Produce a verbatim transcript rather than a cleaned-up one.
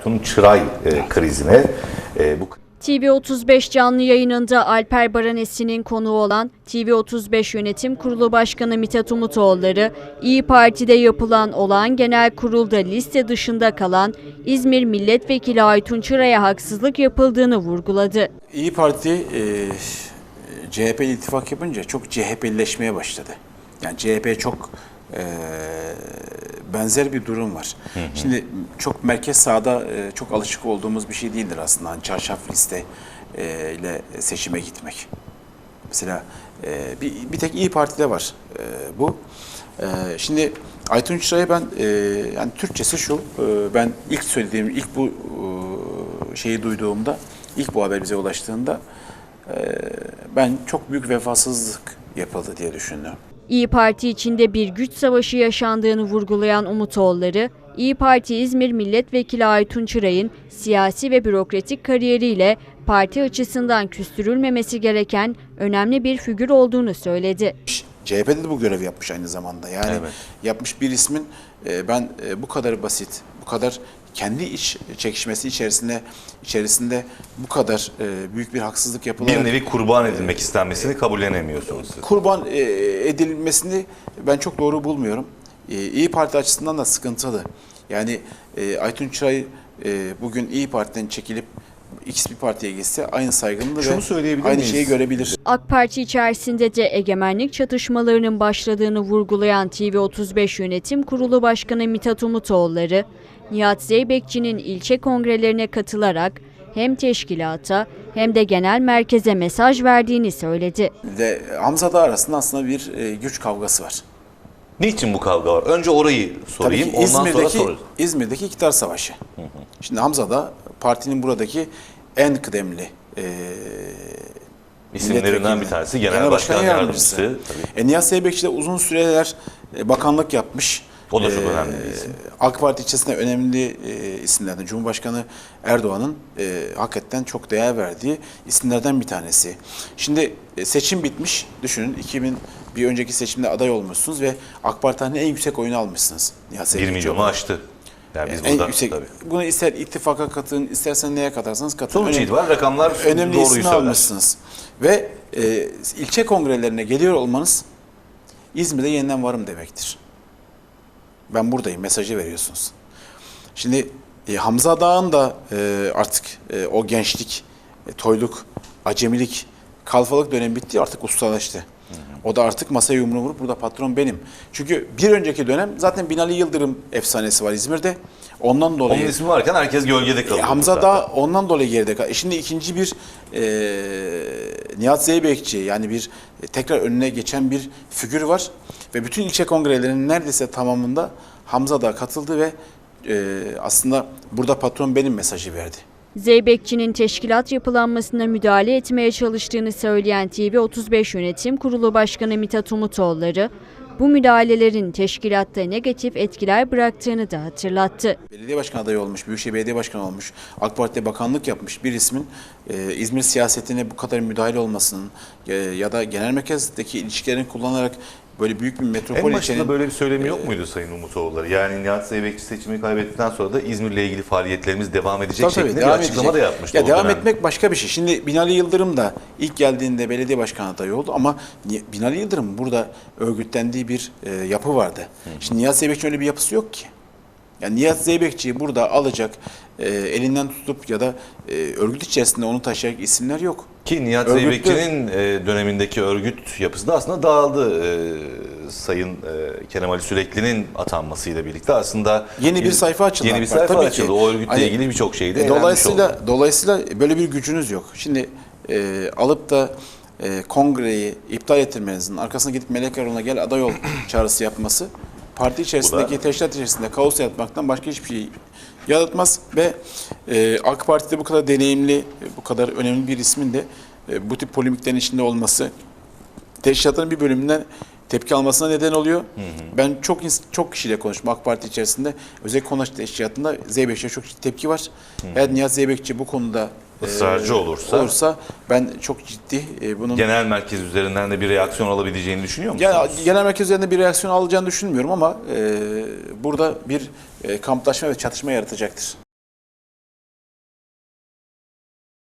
Aytun Çıray e, krizine. E, bu T V otuz beş canlı yayınında Alper Baranesi'nin konuğu olan T V otuz beş Yönetim Kurulu Başkanı Mithat Umutoğulları, İyi Parti'de yapılan olağan genel kurulda liste dışında kalan İzmir Milletvekili Aytun Çıray'a haksızlık yapıldığını vurguladı. İyi Parti e, C H P ile ittifak yapınca çok C H P'lileşmeye başladı. Yani C H P'ye çok e, benzer bir durum var. Hı hı. Şimdi çok merkez sağda e, çok alışık olduğumuz bir şey değildir aslında. Hani çarşaf liste e, ile seçime gitmek. Mesela e, bir, bir tek İyi Parti'de var e, bu. E, şimdi Aytun Çıray'a ben e, yani Türkçesi şu, e, ben ilk söylediğim, ilk bu e, şeyi duyduğumda, ilk bu haber bize ulaştığında e, ben çok büyük vefasızlık yapıldı diye düşündüm. İyi Parti içinde bir güç savaşı yaşandığını vurgulayan Umutoğulları, İyi Parti İzmir Milletvekili Aytun Çıray'ın siyasi ve bürokratik kariyeriyle parti açısından küstürülmemesi gereken önemli bir figür olduğunu söyledi. C H P'de de bu görevi yapmış aynı zamanda. Yani evet. Yapmış bir ismin e, ben e, bu kadar basit, bu kadar kendi iç çekişmesi içerisinde içerisinde bu kadar e, büyük bir haksızlık yapılarak bir nevi kurban edilmek istenmesini kabullenemiyorsunuz siz. Kurban e, edilmesini ben çok doğru bulmuyorum. E, İyi Parti açısından da sıkıntılı. Yani e, Aytun Çıray e, bugün İyi Parti'den çekilip X bir partiye geçse aynı saygınlığı ve aynı miyiz? şeyi görebilir. AK Parti içerisinde de egemenlik çatışmalarının başladığını vurgulayan T V otuz beş Yönetim Kurulu Başkanı Mithat Umutoğulları, Nihat Zeybekçi'nin ilçe kongrelerine katılarak hem teşkilata hem de genel merkeze mesaj verdiğini söyledi. Ve Hamza Dağ arasında aslında bir e, güç kavgası var. Niçin bu kavga var? Önce orayı sorayım, ondan İzmir'deki, sonra sorarız. İzmir'deki iktidar savaşı. Hı hı. Şimdi Hamza Dağ partinin buradaki en kıdemli e, isimlerinden bir tanesi, genel, genel başkan, başkan yardımcısı. yardımcısı. E, Nihat Zeybekçi de uzun süreler e, bakanlık yapmış. O da çok e, önemli bir isim. AK Parti içerisinde önemli e, isimlerden. Cumhurbaşkanı Erdoğan'ın e, hakikaten çok değer verdiği isimlerden bir tanesi. Şimdi e, seçim bitmiş. Düşünün iki bin bir önceki seçimde aday olmuşsunuz ve AK Parti'nin en yüksek oyunu almışsınız. Nihat Zeybekçi bir milyonu aştı. Yani biz en burada, yüksek. Tabii. Bunu ister ittifaka katın, istersen neye katarsanız katın. Sonuç itibariyle rakamlar önemli doğruyu ismi söyler. almışsınız. Ve e, ilçe kongrelerine geliyor olmanız İzmir'de yeniden varım demektir. Ben buradayım mesajı veriyorsunuz. Şimdi e, Hamza Dağ'ın da e, artık e, o gençlik, e, toyluk, acemilik, kalfalık dönemi bitti, artık ustalaştı. Hı hı. O da artık masaya yumruğu vurup burada patron benim. Çünkü bir önceki dönem zaten Binali Yıldırım efsanesi var İzmir'de. Ondan dolayı. Onun ismi varken herkes gölgede kalıyor. E, Hamza Dağ ondan dolayı geride kalıyor. E, şimdi ikinci bir e, Nihat Zeybekçi, yani bir e, tekrar önüne geçen bir figür var. Ve bütün ilçe kongrelerinin neredeyse tamamında Hamza Dağ katıldı ve e, aslında burada patron benim mesajı verdi. Zeybekçi'nin teşkilat yapılanmasına müdahale etmeye çalıştığını söyleyen T V otuz beş Yönetim Kurulu Başkanı Mithat Umutoğulları, bu müdahalelerin teşkilatta negatif etkiler bıraktığını da hatırlattı. Belediye başkanı adayı olmuş, Büyükşehir Belediye Başkanı olmuş, AK Parti'de bakanlık yapmış bir ismin e, İzmir siyasetine bu kadar müdahale olmasının e, ya da genel merkezdeki ilişkilerini kullanarak böyle büyük bir metropol en başında ilçenin, böyle bir söylemi yok muydu Sayın Umutoğulları? Yani Nihat Zeybekçi seçimi kaybettikten sonra da İzmir'le ilgili faaliyetlerimiz devam edecek tabii şeklinde tabii, bir açıklama edecek. da yapmıştı. Ya devam dönem. etmek başka bir şey. Şimdi Binali Yıldırım da ilk geldiğinde belediye başkanı adayı oldu ama Binali Yıldırım burada örgütlendiği bir e, yapı vardı. Hı. Şimdi Nihat Zeybekçi'nin öyle bir yapısı yok ki. Yani Nihat Zeybekçi'yi burada alacak, e, elinden tutup ya da e, örgüt içerisinde onu taşıyacak isimler yok. Ki Nihat Örgütlü. Zeybekçi'nin e, dönemindeki örgüt yapısı da aslında dağıldı. E, Sayın e, Kerem Ali Sürekli'nin atanmasıyla birlikte aslında yeni bir sayfa açıldı. Yeni bir sayfa tabii açıldı. Ki. O örgütle hani, ilgili birçok şeyde e, dolayısıyla dolayısıyla böyle bir gücünüz yok. Şimdi e, alıp da e, kongreyi iptal ettirmenizin arkasına gidip Melek Erol'una gel aday ol çağrısı yapması parti içerisindeki teşkilat içerisinde kaos yaratmaktan başka hiçbir şey yaratmaz ve e, AK Parti'de bu kadar deneyimli, bu kadar önemli bir ismin de e, bu tip polemiklerin içinde olması teşkilatların bir bölümünden tepki almasına neden oluyor. Hı hı. Ben çok çok kişiyle konuştum AK Parti içerisinde. Özellikle Konaş Teşkilatı'nda Zeybekçi'ye çok ciddi tepki var. Hı hı. Eğer Nihat Zeybekçi bu konuda ısrarcı e, olursa, olursa ben çok ciddi e, bunun genel merkez üzerinden de bir reaksiyon alabileceğini düşünüyor musunuz? Yani genel merkez üzerinde bir reaksiyon alacağını düşünmüyorum ama e, burada bir e, kamplaşma ve çatışma yaratacaktır.